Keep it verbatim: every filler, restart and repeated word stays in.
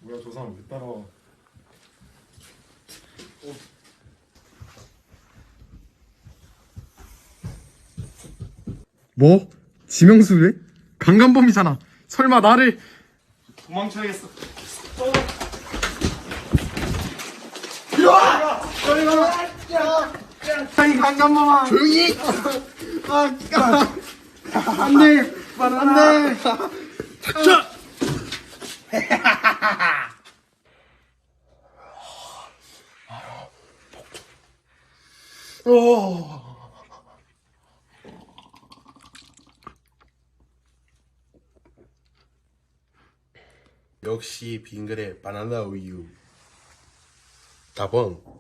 뭐야 저 사람 왜 따라와? 어. 뭐? 지명수 왜? 강간범이잖아. 설마 나를 도망쳐야겠어. 이리와! 저리 가! 이 강간범아! 조용히! 아, 아, 안 돼! 안 돼! 닥쳐! 오. 역시 빙그레 바나나 우유. 다봉.